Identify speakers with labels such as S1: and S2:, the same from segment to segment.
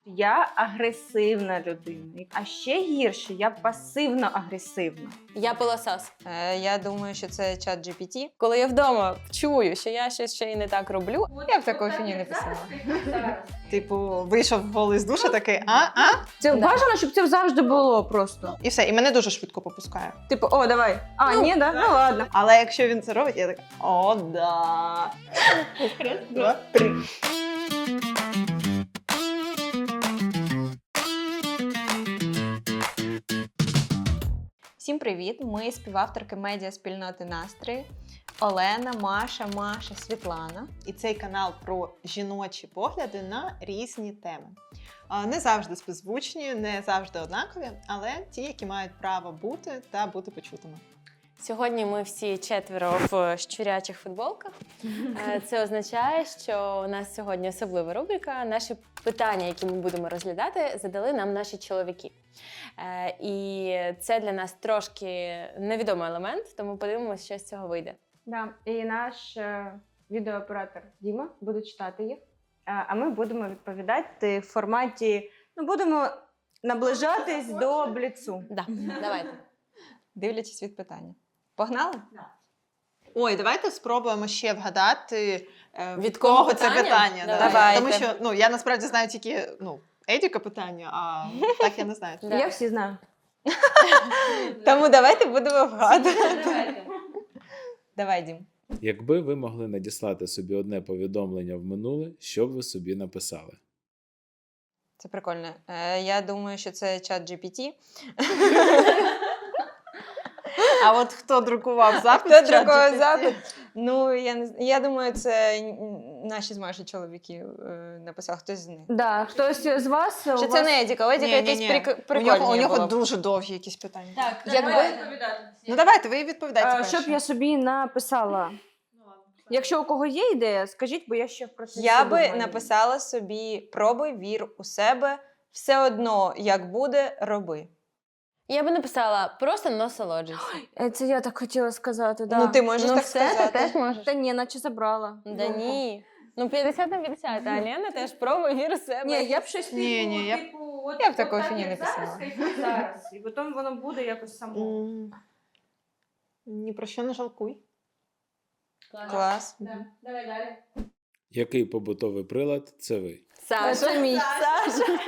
S1: Я агресивна людина. А ще гірше, я пасивно-агресивна.
S2: Я пилосос.
S3: Я думаю, що це чат GPT.
S2: Коли я вдома чую, що я щось ще й не так роблю,
S3: Я б такої фіні не писала.
S4: Типу, вийшов голий з душа такий,
S1: Це
S2: Да.
S1: бажано, щоб це завжди було просто.
S4: і все, і мене дуже швидко попускає.
S1: Типу, о, давай. А, ні, да? Ну ладно.
S4: Але якщо він це робить, я така, о, да. Раз, два, три.
S3: Всім привіт! Ми співавторки медіаспільноти «Настрої» Олена, Маша, Світлана.
S4: І цей канал про жіночі погляди на різні теми. Не завжди співзвучні, не завжди однакові, але ті, які мають право бути та бути почутими.
S2: сьогодні ми всі четверо в щурячих футболках. Це означає, що у нас сьогодні особлива рубрика. Наші питання, які ми будемо розглядати, задали нам наші чоловіки. І це для нас трошки невідомий елемент, тому подивимося, що з цього вийде.
S1: Да. І наш відеооператор Діма буде читати їх, а ми будемо відповідати в форматі, будемо наближатись до бліцу.
S2: Да, давайте.
S3: Дивлячись від питання. Погнали?
S4: Ой, давайте спробуємо ще вгадати,
S2: Від кого
S4: це
S2: питання?
S4: питання.
S3: Давайте.
S4: Тому що я насправді знаю тільки Едіка питання, а так я не знаю.
S2: Да.
S1: Я всі знаю.
S3: Тому давайте будемо вгадувати. Давай, Дім.
S5: Якби ви могли надіслати собі одне повідомлення в минуле, що б ви собі написали?
S3: Це прикольно. Я думаю, що це чат GPT.
S4: А от хто друкував запит?
S3: Хто
S4: в чат
S3: друкував
S4: GPT?
S3: запит? Ну, я думаю, це наші з Маші чоловіки написав, хтось з них.
S1: Да, хтось з вас...
S3: Що це не Едіка, у Едіка якесь
S4: Ні-ні-ні.
S3: прикольне
S4: У нього
S3: було.
S4: дуже довгі якісь питання.
S2: Так,
S4: Ну давайте, ви відповідайте перше.
S1: Щоб я собі написала. Якщо у кого є ідея, скажіть, бо я ще в процесі
S3: Я би
S1: думаю.
S3: написала собі: пробуй, вір у себе, все одно, як буде, роби.
S2: Я би написала просто насолоджуйся.
S1: Це я так хотіла сказати, да.
S3: Ну, ти можеш так
S2: все, ти
S3: сказати.
S2: теж можеш.
S1: Та ні, наче забрала.
S2: Да ні. 50 на 50, а Лена теж пробуй, вір у себе.
S1: Ні, я б щось
S4: Ні, я б-
S3: Я б такої фіні не писала.
S1: зараз. І потім воно буде якось само.
S4: Ні про що не жалкуй.
S3: Клас.
S1: Давай далі.
S5: Який побутовий прилад це ви?
S2: Саша.
S1: мій.
S2: Саша.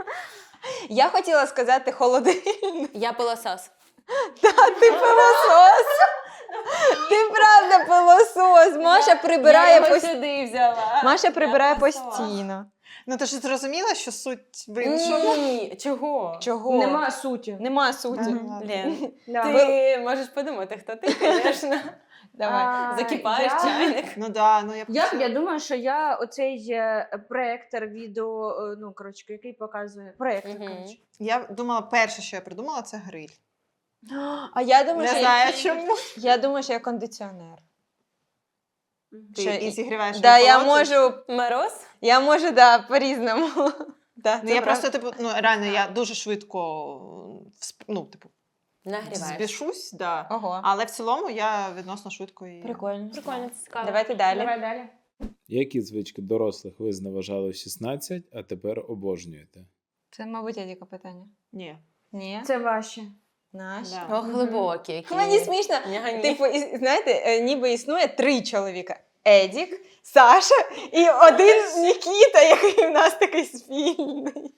S3: Я хотіла сказати холодильник.
S2: Я пилосос.
S3: Ти пилосос. Ти правда пилосос. Маша прибирає
S2: Я його
S3: постійно.
S2: сюди взяла.
S3: Маша прибирає
S2: пилосос.
S3: постійно.
S4: Ну ти ж зрозуміла, що суть в іншому?
S2: Ні, чого?
S3: Чого?
S1: Нема суті.
S3: Нема суті.
S4: Ага.
S2: Лен,
S1: Да.
S2: ти можеш подумати, хто ти, звісно.
S3: Давай.
S2: Закипаєш
S1: я-
S2: чайник.
S4: Ну да, ну
S1: Я думаю, що я оцей проектор відео, який показує. Проектор,
S2: Мгм.
S1: коротше.
S4: я думала, перше, що я придумала, це гриль.
S3: А я думаю,
S4: Не
S3: що
S4: знаю чому.
S3: я думаю, що я кондиціонер.
S4: Ти
S3: Що
S4: і зігріваєш.
S3: Да,
S4: і
S3: я
S4: холодиш.
S3: можу,
S2: Мороз?
S3: да, по-різному. Да,
S4: Ну
S3: це
S4: я
S3: правда.
S4: просто, реально, я дуже швидко,
S2: Нагріваєш.
S4: збішусь, да.
S3: Ого.
S4: Але в цілому я відносно швидко і...
S3: Прикольно.
S2: Прикольно, це цікаво.
S3: Давайте далі.
S1: Давай далі.
S5: Які звички дорослих ви зневажали в 16, а тепер обожнюєте?
S3: Це, мабуть, Едіка питання.
S4: Ні.
S3: Ні?
S1: Це ваші.
S3: Наш.
S4: Да.
S2: О, глибокі які.
S3: Мені смішно.
S2: Нягані.
S3: Типу, знаєте, ніби існує 3 чоловіка. Едік, Саша і один Нікіта, який в нас такий спільний.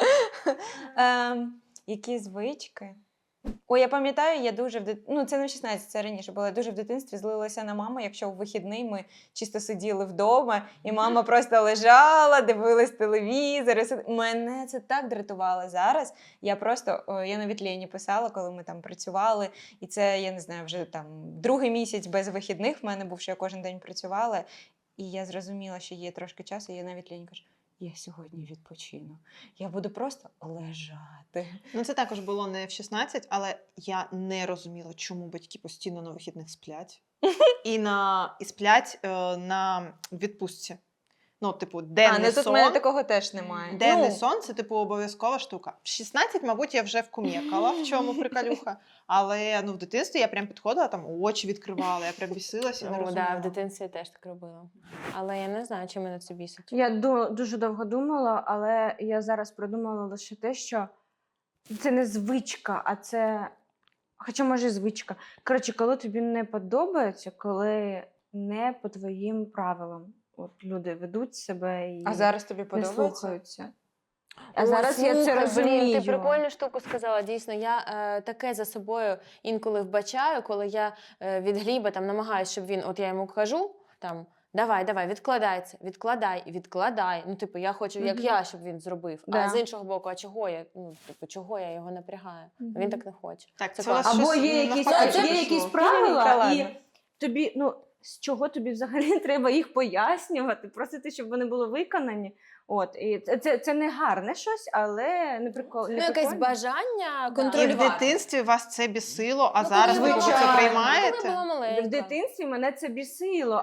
S3: Які звички? Ой, я пам'ятаю, я дуже це не в 16, це раніше було. Я дуже в дитинстві злилася на маму, якщо в вихідний ми чисто сиділи вдома, і мама просто лежала, дивилась телевізор. Мене це так дратувало зараз. Я навіть Лені писала, коли ми там працювали, і це, я не знаю, вже там другий місяць без вихідних в мене був, що я кожен день працювала, і я зрозуміла, що є трошки часу, і я навіть Лені кажу: я сьогодні відпочину. Я буду просто лежати.
S4: Ну це також було не в 16, але я не розуміла, чому батьки постійно на вихідних сплять. І сплять на відпустці. Ну, типу, денний
S3: ну тут в
S4: сон.
S3: мене такого теж немає.
S4: Денний
S3: Ну,
S4: сон це типу обов'язкова штука. В 16, мабуть, я вже вкум'якала, в чому приколюха. Але ну в дитинстві я прям підходила, там очі відкривала, я прям бісилася і не
S2: Ну,
S4: розуміла.
S2: да, в дитинстві я теж так робила. Але я не знаю, чи мене це бісить.
S1: Я дуже довго думала, але я зараз придумала лише те, що це не звичка, а це. Хоча, може, і звичка. Коротше, коли тобі не подобається, коли не по твоїм правилам. От люди ведуть себе і
S3: а зараз тобі
S1: не
S3: подобається?
S1: слухаються. А зараз я це
S2: Слухай,
S1: розумію.
S2: Блін, ти прикольну штуку сказала. Дійсно, я таке за собою інколи вбачаю, коли я від Гліба там намагаюся, щоб він, от я йому кажу, там, давай, відкладай це, відкладай. Ну, типу, я хочу, як я, щоб він зробив.
S1: Да.
S2: А з іншого боку, а чого я? Ну, типу, чого я його напрягаю? А він так не хоче.
S4: Так,
S2: Це
S4: це у вас
S2: класно.
S1: Або
S4: щось
S1: є якісь,
S4: навпаки
S1: є
S4: пішло.
S1: якісь правила,
S3: Ладно.
S1: і тобі, ну, з чого тобі взагалі треба їх пояснювати, просити, щоб вони були виконані. От, і це не гарне щось, але не прикол.
S2: Ну, якесь бажання
S4: І в
S2: контролювати.
S4: дитинстві вас це бісило, а
S2: Ну,
S4: зараз
S2: коли
S4: ви
S2: була
S4: це
S1: звичайно.
S2: маленька.
S4: приймаєте?
S2: Коли була маленька.
S1: В дитинстві мене це бісило,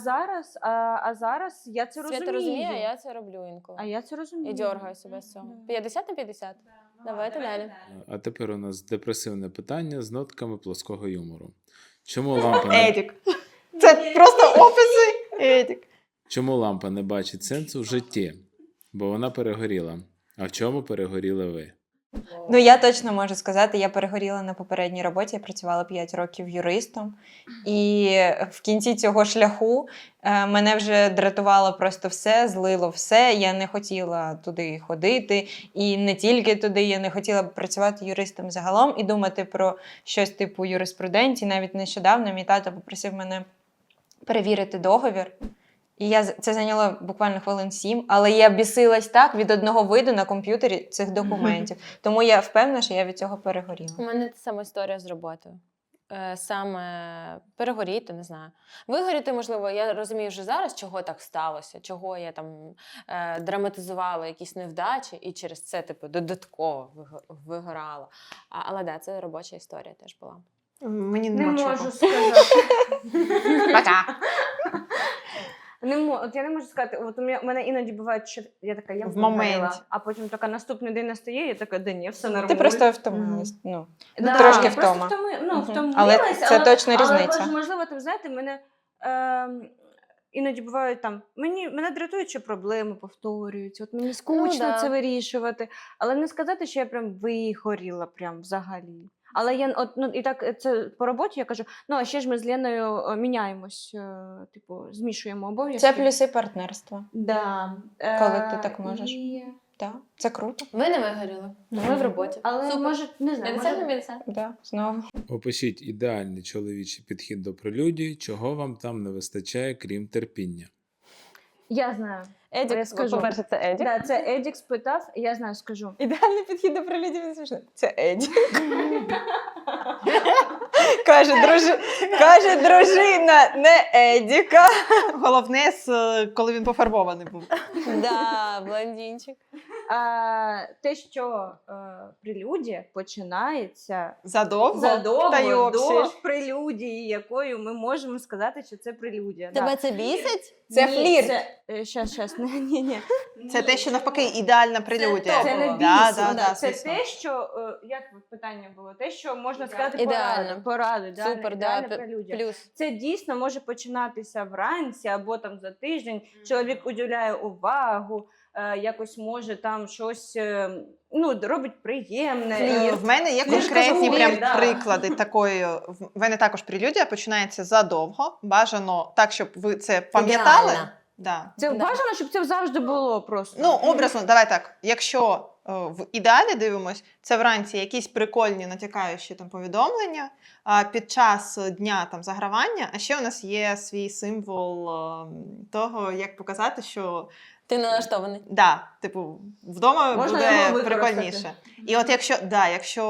S1: а зараз я це розумію.
S2: Свята розуміє, а я це роблю інколи.
S1: А я це розумію.
S2: І дьоргаю себе з цього. 50 на 50? Давайте далі.
S5: А тепер у нас депресивне питання з нотками плоского юмору. Чому лампа не,
S4: Едік. Це просто описи. Едік.
S5: чому лампа не бачить сенсу в житті? Бо вона перегоріла. А в чому перегоріли ви?
S3: Ну, я точно можу сказати, я перегоріла на попередній роботі, я працювала 5 років юристом. І в кінці цього шляху мене вже дратувало просто все, злило все. Я не хотіла туди ходити. І не тільки туди, я не хотіла працювати юристом загалом і думати про щось типу юриспруденції. Навіть нещодавно мій тато попросив мене перевірити договір. І це зайняло буквально хвилин 7, але я бісилась так від одного виду на комп'ютері цих документів. Тому я впевнена, що я від цього перегоріла.
S2: У мене та сама історія з роботою. Саме перегоріти, не знаю. Вигоріти, можливо, я розумію вже зараз, чого так сталося, чого я там драматизувала якісь невдачі і через це, типу, додатково вигорала. Але да, це робоча історія теж була.
S4: Мені
S1: Не
S4: нема
S1: можу
S4: чого.
S1: сказати.
S4: Пока.
S1: От я не можу сказати, от у мене іноді буває, що я така, я
S4: В
S1: вигоріла,
S4: моменті.
S1: а потім така наступний день настає, я така, да ні, все нормально.
S3: Ти просто втомилась. Ну,
S1: Да,
S3: трошки
S1: я просто
S3: втома.
S1: втомилась,
S3: Але це точно різниця.
S1: Але, можливо, там, знаєте, мене іноді бувають там, мене дратують, що проблеми повторюються, от мені скучно
S2: да.
S1: це вирішувати, але не сказати, що я прям вигоріла прям взагалі. Але я і так це по роботі я кажу, а ще ж ми з Леною міняємось, типу, змішуємо обов'язки.
S3: Це плюси партнерства.
S1: Да.
S3: Коли ти так можеш.
S1: І...
S3: Так, це круто.
S2: Ми не вигоріли, ми в роботі.
S1: Але
S2: Супер.
S1: може, не знаю,
S2: 50 на
S1: може...
S2: 50.
S3: Да, знову.
S5: Опишіть ідеальний чоловічий підхід до прелюдії, чого вам там не вистачає, крім терпіння.
S1: Я знаю.
S2: Едік,
S1: Я скажу.
S2: по-перше, це Едік.
S1: Да, це Едік спитав, я знаю, скажу.
S3: Ідеальний підхід до прилюдів не смішно. Це Еді. Каже дружина, не Едіка.
S4: Головне, коли він пофарбований був.
S2: Да, блондинчик.
S1: Те, що прелюдія починається
S4: Задовго?
S1: задовго
S4: Та й
S1: до
S4: обсі.
S1: прелюдії, якою ми можемо сказати, що це прелюдія.
S2: Тебе
S1: Да.
S2: це бісить?
S3: Це
S1: Ні,
S3: флірт.
S1: Щас, ні.
S4: Це те, що навпаки ідеальна прелюдія.
S1: Це не
S2: Да,
S1: бісить,
S4: да,
S1: це
S4: звісно.
S1: те, що, як питання було, те, що можна сказати
S2: Ідеально.
S1: поради, да,
S2: Супер,
S1: ідеальна
S2: да,
S1: прелюдія.
S2: плюс.
S1: Це дійсно може починатися вранці або там за тиждень. Чоловік уділяє увагу, якось може там щось робить приємне.
S4: В мене є
S1: Я ж
S4: конкретні
S1: кажу,
S4: прям
S1: флірт, да.
S4: приклади такої. В мене також прелюдія починається задовго. Бажано так, щоб ви це пам'ятали.
S2: Ідеально.
S4: Да.
S1: Це
S2: Да.
S1: бажано, щоб це завжди було просто.
S4: Ну, образно, давай так. Якщо в ідеалі дивимось, це вранці якісь прикольні натякаючі там повідомлення, а під час дня там загравання, а ще у нас є свій символ того, як показати, що
S2: Ти налаштований.
S4: да, типу, вдома
S1: Можна
S4: буде
S1: його використати.
S4: прикольніше. І от якщо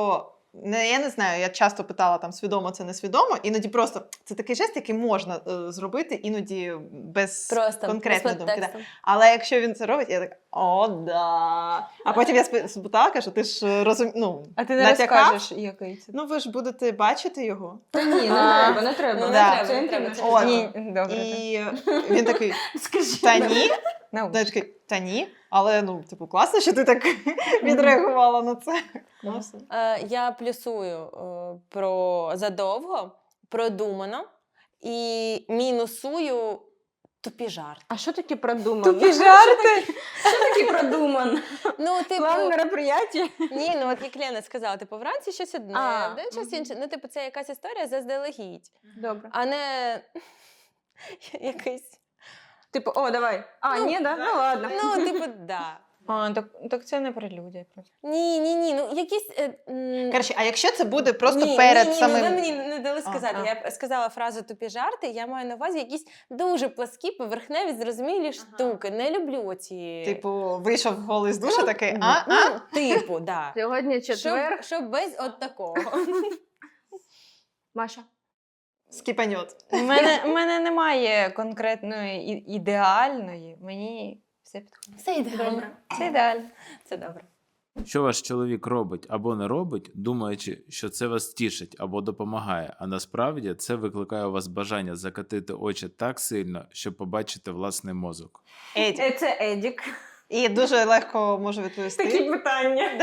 S4: я не знаю, я часто питала там свідомо це несвідомо, іноді просто це такий жест, який можна зробити, іноді без
S2: Просто
S4: конкретної
S2: без
S4: думки. Да.
S2: підтексту.
S4: Але якщо він це робить, я так, о, да. А потім я спитала, кажу, ти ж
S3: А ти не
S4: натякав?
S3: розкажеш, який це?
S4: Ну ви ж будете бачити його.
S3: Та ні,
S1: не треба.
S2: Ну, не
S4: Да.
S2: треба,
S1: Це
S2: не треба.
S1: інтимно.
S4: От.
S3: Ні, добре.
S4: І він такий,
S1: Скажи.
S4: та ні.
S3: Ну,
S4: Я такий, та ні. Але, класно, що ти так відреагувала на це. Ну, все.
S2: Я плюсую про задовго, продумано і мінусую тупі жарти.
S1: А що таке продумано?
S3: Тупі жарти.
S1: Що таке продумано?
S2: Ну, типу,
S1: План мероприятия?
S2: ні, ну от як Лена сказала, типу, вранці щось одне,
S1: А,
S2: вдень щось інше. Ну, типу, це якась історія заздалегідь,
S1: Добре.
S2: а не якийсь.
S1: Типу, о, давай. А,
S2: Ну,
S1: ні, да? Ну ладно.
S2: Ну, типу, да.
S3: Так це не прелюдія.
S2: Ні, ну якісь.
S4: Коротше, а якщо це буде просто
S2: ні,
S4: перед
S2: ні,
S4: самим...
S2: ви мені не дали сказати.
S4: А.
S2: Я сказала фразу тупі жарти, я маю на увазі якісь дуже пласкі, поверхневі, зрозумілі штуки. Не люблю оці.
S4: Типу, вийшов голий з душа такий,
S2: Ну, типу, да.
S1: Сьогодні четвер.
S2: Щоб без от такого.
S1: Маша.
S4: скіпаньот.
S3: У мене немає конкретної ідеальної. Мені все підходить.
S2: Все ідеально.
S3: Це ідеально.
S2: Це добре.
S5: Що ваш чоловік робить або не робить, думаючи, що це вас тішить або допомагає, а насправді це викликає у вас бажання закатити очі так сильно, щоб побачити власний мозок.
S4: Еді.
S1: Це Едік.
S4: І дуже легко можу відповісти.
S1: Такі питання.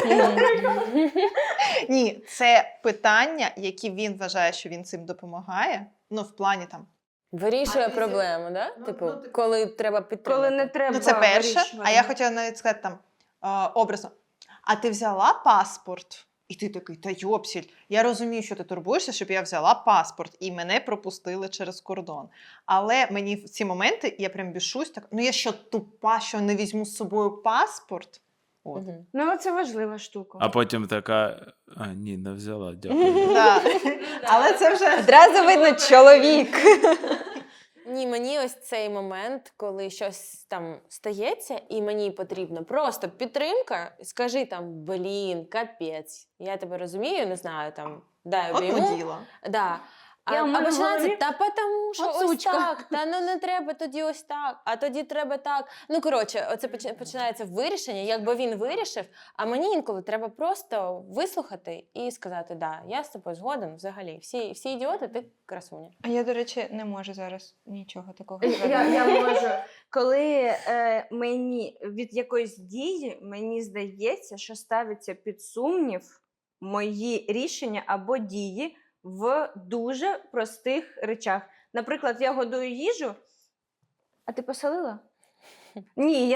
S4: Ні, це питання, які він вважає, що він цим допомагає. Ну, в плані там.
S2: Вирішує проблему, да? Типу, коли треба підтримати.
S1: Коли не треба.
S4: Ну, це перше.
S1: вирішувати.
S4: А я хотіла навіть сказати там образно. А ти взяла паспорт? І ти такий, та йопсіль, я розумію, що ти турбуєшся, щоб я взяла паспорт, і мене пропустили через кордон. Але мені в ці моменти, я прям бішусь, так, ну я що, тупа, що не візьму з собою паспорт? От.
S2: Мгм.
S1: Ну, це важлива штука.
S5: А потім така: а, ні, не взяла, дякую.
S4: Да. Але це вже...
S3: Одразу видно чоловік.
S2: Ні, мені ось цей момент, коли щось там стається, і мені потрібно просто підтримка, скажи там, блін, капець, я тебе розумію, не знаю, там, дай
S4: Одно
S2: обійму.
S4: діло.
S2: Да.
S1: Я
S2: А
S1: в мене в
S2: починається,
S1: голові
S2: та тому що
S1: от
S2: ось
S1: сучка.
S2: так, та ну не треба тоді ось так, а тоді треба так. Ну, коротше, оце починається вирішення, якби він вирішив, а мені інколи треба просто вислухати і сказати, да, я з тобою згоден взагалі. Всі ідіоти, ти красуня.
S3: А я, до речі, не можу зараз нічого такого
S1: Я можу. Коли мені від якоїсь дії, мені здається, що ставиться під сумнів мої рішення або дії в дуже простих речах. Наприклад, я годую їжу, а ти посолила? Ні,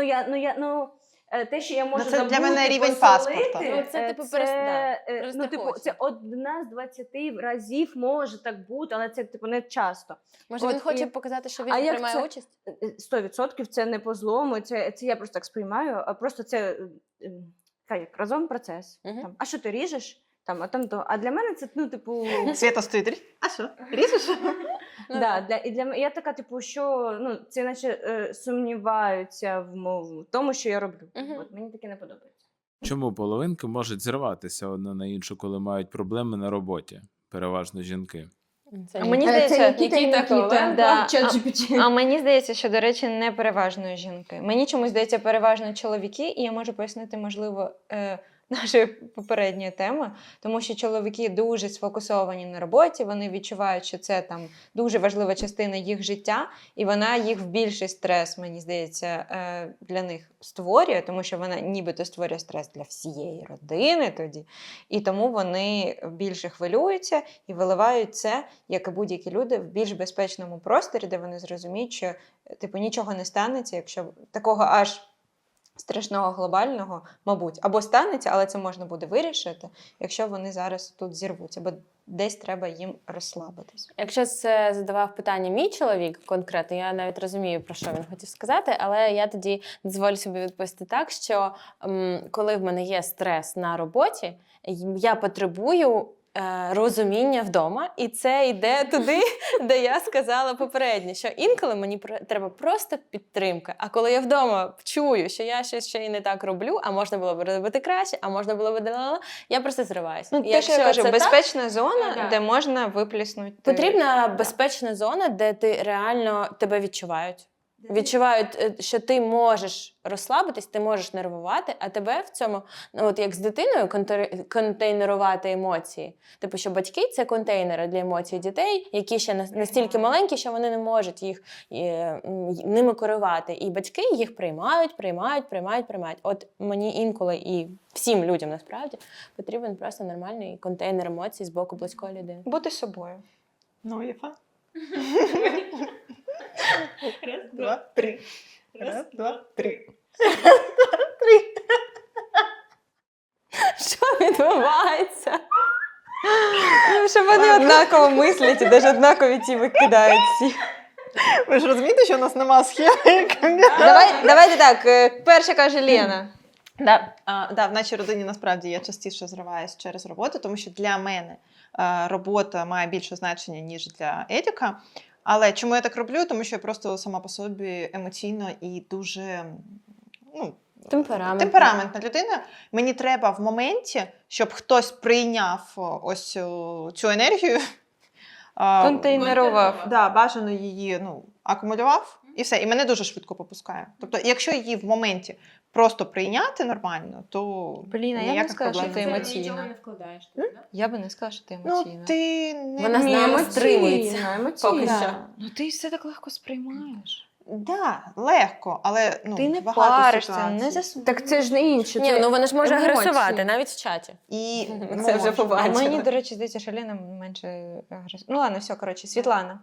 S1: те, що я можу
S4: це для
S1: забути
S4: мене рівень
S1: посолити,
S4: паспорта.
S2: Ну, це, типу,
S1: ну, типу,
S2: просто
S1: це одна з 20 разів може так бути, але це типу не часто.
S2: Може,
S1: От
S2: він хоче
S1: і-
S2: показати, що він
S1: А як
S2: приймає
S1: це?
S2: участь?
S1: 100% це не по злому, це я просто так сприймаю, а просто це як разом процес.
S2: Мгм.
S1: Там, а що ти ріжеш? Там, а там то. А для мене це, ну, типу,
S4: Свята стоїть. А що? Різеш?
S2: Ну,
S1: да, я така, типу, що ну, це наче сумніваються в тому, що я роблю.
S2: Мгм.
S1: От, мені таке не подобається.
S5: Чому половинки можуть зриватися одна на іншу, коли мають проблеми на роботі? Переважно жінки.
S2: Це
S3: А
S2: ні.
S3: мені
S1: Це
S3: здається,
S2: Нікіта Коваленко,
S3: да.
S1: ChatGPT.
S3: А мені здається, що, до речі, не переважно жінки. Мені чомусь здається переважно чоловіки, і я можу пояснити, можливо, нашої попередньої теми, тому що чоловіки дуже сфокусовані на роботі, вони відчувають, що це там дуже важлива частина їх життя, і вона їх в більший стрес, мені здається, для них створює, тому що вона нібито створює стрес для всієї родини тоді, і тому вони більше хвилюються і виливають це, як і будь-які люди, в більш безпечному просторі, де вони зрозуміють, що типу нічого не станеться, якщо такого аж страшного глобального, мабуть, або станеться, але це можна буде вирішити, якщо вони зараз тут зірвуться, бо десь треба їм розслабитись.
S2: Якщо це задавав питання мій чоловік конкретно, я навіть розумію, про що він хотів сказати, але я тоді дозволю собі відповісти так, що коли в мене є стрес на роботі, я потребую розуміння вдома, і це йде туди, де я сказала попередньо, що інколи мені треба просто підтримка. А коли я вдома чую, що я щось ще й не так роблю, а можна було б робити краще, а можна було б я просто зриваюся.
S3: Ну, те, що я кажу, безпечна зона,
S2: так.
S3: де можна випліснути.
S2: Потрібна безпечна зона, де ти реально тебе відчувають. Відчувають, що ти можеш розслабитись, ти можеш нервувати, а тебе в цьому, ну, от як з дитиною, контейнерувати емоції. Типу, що батьки – це контейнери для емоцій дітей, які ще настільки маленькі, що вони не можуть їх ними керувати. І батьки їх приймають. От мені інколи і всім людям насправді потрібен просто нормальний контейнер емоцій з боку близької людини.
S3: Бути собою.
S4: Ну, Єфа. Раз, два, три. Раз, два, три.
S2: Що відбувається?
S3: Ну, що вони однаково мислять і навіть однакові ті викидають всі.
S4: Ви ж розумієте, що у нас нема схеми?
S3: Давайте так, перша каже Лена.
S4: Да, в нашій родині насправді я частіше зриваюсь через роботу, тому що для мене робота має більше значення, ніж для Едіка. Але чому я так роблю? Тому що я просто сама по собі емоційно і дуже темпераментна людина. Мені треба в моменті, щоб хтось прийняв ось цю енергію.
S3: Контейнерував.
S4: Да, бажано її акумулював і все. І мене дуже швидко попускає. Тобто, якщо її в моменті просто прийняти нормально, то
S3: Блін, а я б не
S4: ніяких
S3: сказала, що
S4: проблем
S3: ти
S4: не
S3: емоційна.
S2: Нічого не вкладаєш, так?
S3: Я би не сказала, що ти
S4: Ну,
S3: емоційна.
S4: ти не...
S2: Вона з нами стримується. Поки
S1: Да.
S2: що.
S3: Ну ти все так легко сприймаєш.
S4: Да, легко, але
S3: Ти не
S4: багато
S3: паришся,
S4: ситуацій.
S3: не засуджуєш.
S1: Так це ж не інше.
S2: Ні,
S1: це
S2: ну вона ж може
S1: емоції.
S2: агресувати, навіть в чаті.
S4: І
S2: Це вже
S4: може.
S2: побачила.
S3: А мені, до речі, здається, що Лена менше агресивна. Ну ладно, все, коротше, Світлана.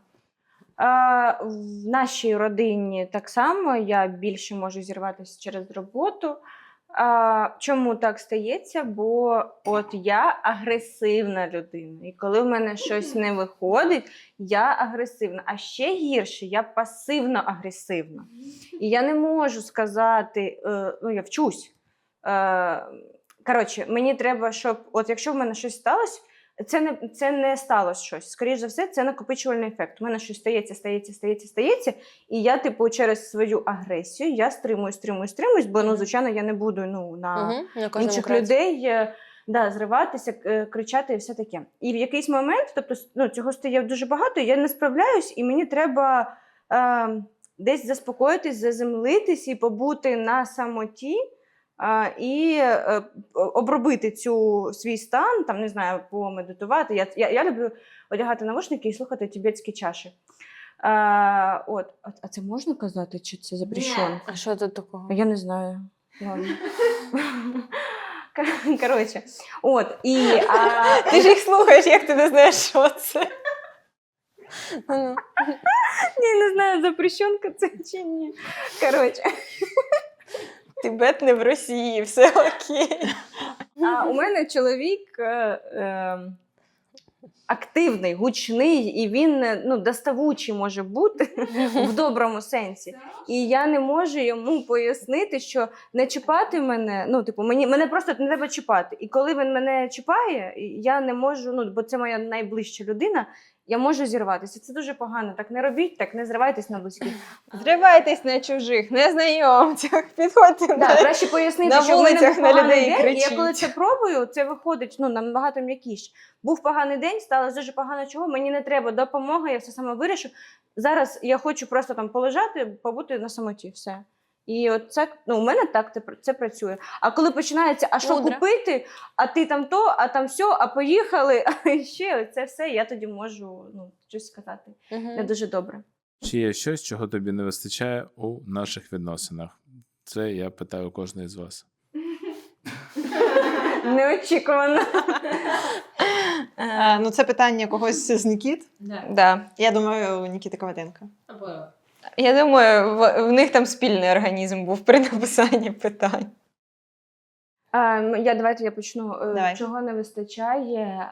S1: В нашій родині так само я більше можу зірватися через роботу. Чому так стається? Бо от я агресивна людина. І коли в мене щось не виходить, я агресивна. А ще гірше, я пасивно-агресивна. І я не можу сказати, я вчусь. Коротше, мені треба, щоб, от якщо в мене щось сталося, це не сталося щось. Скоріше за все, це накопичувальний ефект. У мене щось стається, і я, через свою агресію, я стримуюсь, бо, звичайно, я не буду на інших людей зриватися, кричати і все таке. І в якийсь момент, цього стає дуже багато, я не справляюсь, і мені треба десь заспокоїтись, заземлитись і побути на самоті, і обробити свій стан, не знаю, помедитувати. Я люблю одягати навушники і слухати тибетські чаші. А це можна казати, чи це запрещено?
S2: А що тут такого?
S1: Я не знаю. Ладно. Коротше,
S3: Ти ж їх слухаєш, як ти не знаєш, що це?
S1: я не знаю, запрещенка це чи ні. Коротше.
S3: Тибет не в Росії, все окей.
S1: У мене чоловік активний, гучний, і він доставучий може бути в доброму сенсі. І я не можу йому пояснити, що не чіпати мене, мене просто не треба чіпати. І коли він мене чіпає, я не можу, бо це моя найближча людина, я можу зірватися. Це дуже погано. Так не робіть, так не зривайтесь на близьких.
S3: Зривайтесь на чужих, незнайомцях, підходьте
S1: Краще пояснити,
S3: на
S1: що в мене
S3: вулицях
S1: був
S3: на
S1: поганий
S3: людей
S1: день, і
S3: кричіть.
S1: я коли це пробую, це виходить набагато м'якіше. Був поганий день, сталося дуже погано чого, мені не треба допомоги, я все саме вирішу. Зараз я хочу просто полежати, побути на самоті, все. І от це, у мене так це працює. А коли починається, а що
S2: Мудро.
S1: купити, а ти там то, а там сьо, а поїхали, а ще це все, я тоді можу щось сказати. Не дуже добре.
S5: Чи є щось, чого тобі не вистачає у наших відносинах? Це я питаю кожної з вас.
S1: Неочікувано.
S4: Це питання когось з Нікіт.
S3: Да.
S4: Я думаю, Нікіта Коваленко.
S3: Я думаю, в них там спільний організм був при написанні питань.
S1: Давайте я почну.
S4: Давай.
S1: Чого не вистачає,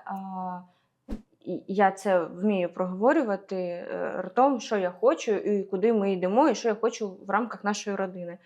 S1: я це вмію проговорювати ртом, що я хочу, і куди ми йдемо, і що я хочу в рамках нашої родини.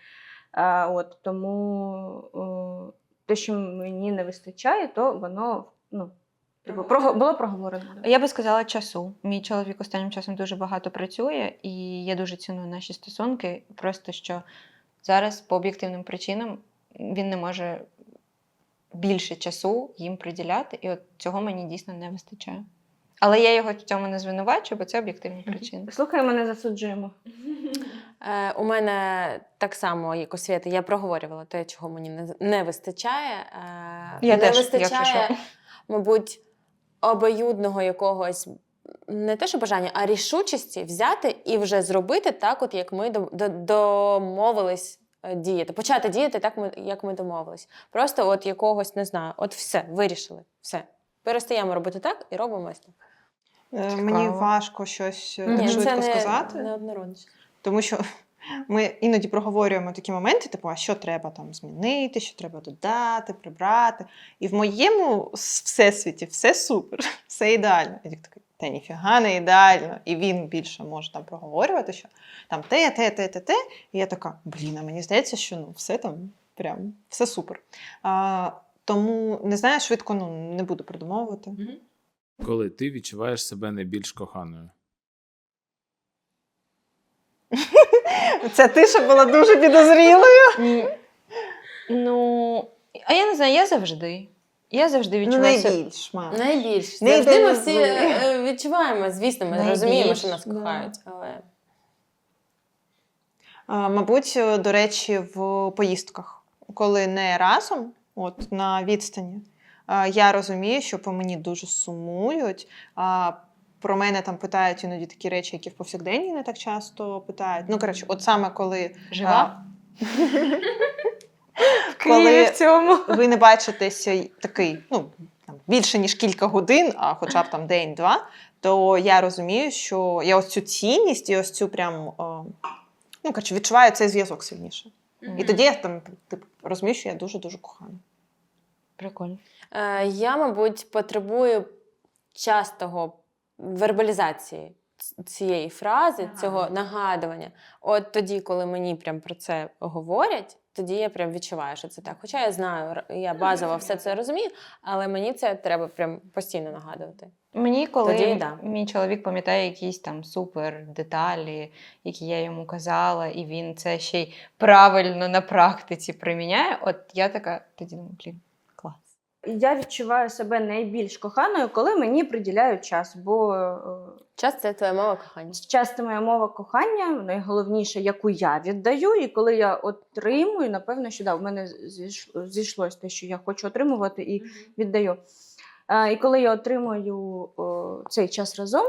S1: Тому те, що мені не вистачає, то воно Типу, було проговорено.
S3: Я би сказала часу. Мій чоловік останнім часом дуже багато працює, і я дуже ціную наші стосунки. Просто що зараз по об'єктивним причинам він не може більше часу їм приділяти, і от цього мені дійсно не вистачає. Але я його в цьому не звинувачую, бо це об'єктивні причини.
S1: Слухаємо, не засуджуємо.
S2: У мене так само, як у Свєти, я проговорювала те, чого мені не вистачає.
S3: Я
S2: не
S3: теж,
S2: вистачає,
S3: якщо що.
S2: мабуть, обоюдного якогось, не те, що бажання, а рішучості взяти і вже зробити так, от як ми домовились діяти. Почати діяти так, як ми домовились. Просто от якогось, не знаю, от все, вирішили, все. Перестаємо робити так і робимо ось так.
S4: Мені важко щось так
S2: Ні,
S4: швидко
S2: це
S4: сказати.
S2: не однородно.
S4: Тому що ми іноді проговорюємо такі моменти, типу, а що треба там змінити, що треба додати, прибрати. І в моєму всесвіті все супер, все ідеально. Я такий, та ніфіга не ідеально. І він більше може там проговорювати, що там те. І я така, блін, а мені здається, що ну, все там прям, все супер. Тому, не знаю, швидко не буду придумовувати.
S5: Коли ти відчуваєш себе найбільш коханою.
S4: Це ти ще була дуже підозрілою.
S3: Ну, а я не знаю, я завжди. Я завжди відчуваю себе.
S4: Найбільш, мам.
S2: Найбільше.
S4: Не
S2: Завжди ми всі
S4: ідеалізуй.
S2: відчуваємо, звісно, ми
S3: Найбільш,
S2: розуміємо, що нас
S3: да.
S2: кохають, але...
S4: Мабуть, до речі, в поїздках, коли не разом, от на відстані, я розумію, що по мені дуже сумують. Про мене там питають іноді такі речі, які в повсякденні не так часто питають. Ну, коротше, от саме коли
S3: Жива?
S4: коли
S1: в цьому.
S4: ви не бачитеся такий, ну, там, більше, ніж кілька годин, а хоча б там день-два, то я розумію, що я ось цю цінність і ось цю прям, ну, коротше, відчуваю цей зв'язок сильніше. І тоді я там типу, розумію, що я дуже-дуже кохана.
S3: Прикольно.
S2: Я, мабуть, потребую частого вербалізації цієї фрази, цього нагадування. От тоді, коли мені прям про це говорять, тоді я прям відчуваю, що це так. Хоча я знаю, я базово все це розумію, але мені це треба прям постійно нагадувати.
S3: Мені, коли
S2: Тоді да.
S3: мій чоловік пам'ятає якісь там супер деталі, які я йому казала, і він це ще й правильно на практиці приміняє, от я така, тоді думаю, блін, клас.
S1: Я відчуваю себе найбільш коханою, коли мені приділяють час, бо
S2: Час – це твоя мова кохання.
S1: час це моя мова кохання, найголовніше, яку я віддаю, і коли я отримую, напевно, що да, в мене зійшлось те, що я хочу отримувати і віддаю. І коли я отримую цей час разом,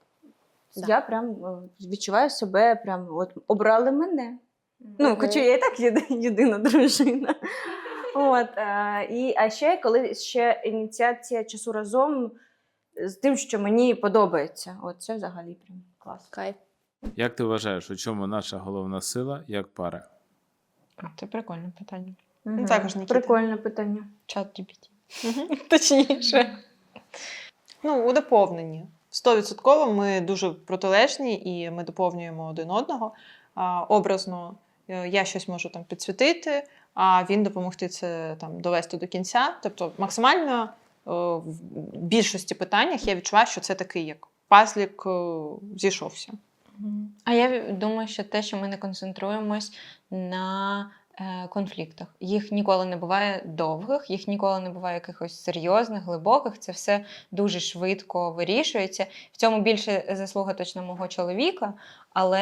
S1: я прям відчуваю себе, прям от обрали мене. Ну, хоча я і так єдина дружина. От, а ще коли ще ініціація часу разом з тим, що мені подобається. От це взагалі прям клас.
S2: Кайф.
S5: Як ти вважаєш, у чому наша головна сила як пари?
S3: Це прикольне питання.
S1: Мгм.
S4: Також, Нікіта.
S1: Прикольне питання.
S3: Чат GPT. Точніше.
S4: Ну, у доповненні. 100% ми дуже протилежні і ми доповнюємо один одного. Образно я щось можу там підсвітити, а він допомогти це там довести до кінця. Тобто максимально в більшості питаннях я відчуваю, що це такий як пазлік зійшовся.
S3: А я думаю, що те, що ми не концентруємось на конфліктах. Їх ніколи не буває довгих, їх ніколи не буває якихось серйозних, глибоких. Це все дуже швидко вирішується. В цьому більше заслуга точно мого чоловіка, але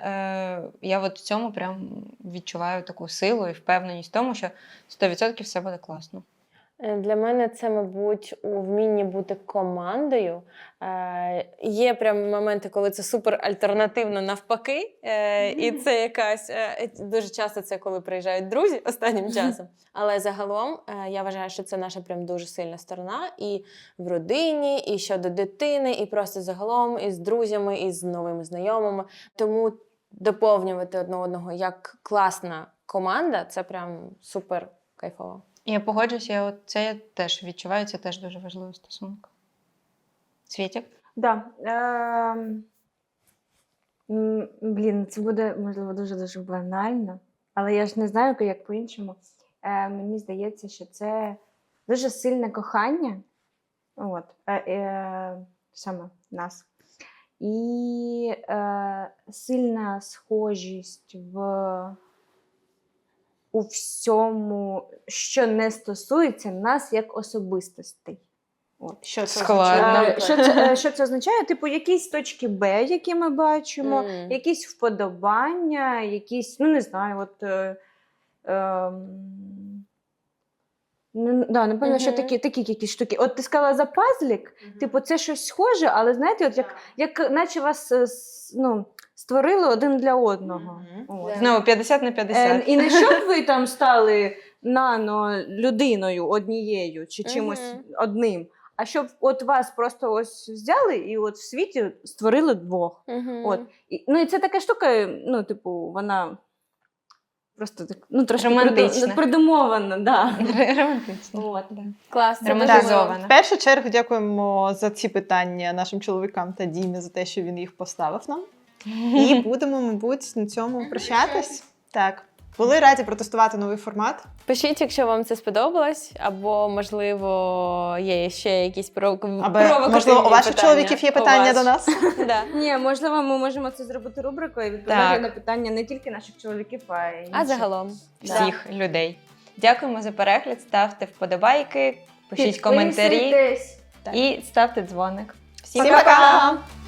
S3: я от в цьому прям відчуваю таку силу і впевненість в тому, що 100% все буде класно.
S2: Для мене це, мабуть, у вмінні бути командою. Є прям моменти, коли це супер альтернативно навпаки. І це якась дуже часто це коли приїжджають друзі останнім часом. Але загалом я вважаю, що це наша прям дуже сильна сторона і в родині, і щодо дитини, і просто загалом і з друзями, і з новими знайомими. Тому доповнювати одне одного як класна команда це прям супер кайфово.
S3: Я погоджуюся, це я теж відчуваю, це теж дуже важливий стосунок. Світік?
S1: Да. Блін, це буде, можливо, дуже-дуже банально, але я ж не знаю, як по-іншому. Мені здається, що це дуже сильне кохання, От, саме нас. І сильна схожість у всьому, що не стосується нас як особистостей. От.
S4: Що це
S3: Складно.
S4: означає?
S1: Що це означає? Типу, якісь точки Б, які ми бачимо, якісь вподобання, якісь, ну не знаю, от. Напевно, що такі якісь штуки. От ти сказала за пазлік, типу, це щось схоже, але знаєте, от як наче вас створили один для одного. От.
S3: Знову 50 на 50.
S1: І не щоб ви там стали людиною однією чи чимось одним, а щоб от вас просто ось взяли і от в світі створили двох. От. І це така штука, типу, вона просто так, трошки
S3: Романтична.
S1: придумована. Да.
S3: Романтично.
S1: От.
S2: Класно.
S3: Романтизована.
S4: В першу чергу дякуємо за ці питання нашим чоловікам та Дімі за те, що він їх поставив нам. І будемо, мабуть, на цьому прощатись. Так. Були раді протестувати новий формат.
S2: Пишіть, якщо вам це сподобалось, або, можливо, є ще якісь
S4: Або,
S2: провокативні
S4: можливо, у ваших
S2: питання.
S4: чоловіків є питання до нас.
S2: Да.
S1: Ні, можливо, ми можемо це зробити рубрикою і відповідати
S3: Так.
S1: на питання не тільки наших чоловіків, а й
S2: А
S1: інших.
S2: загалом.
S3: Всіх людей. Дякуємо за перегляд, ставте вподобайки, пишіть коментарі
S1: Підписуйтесь.
S3: і ставте дзвоник.
S4: Всім пока!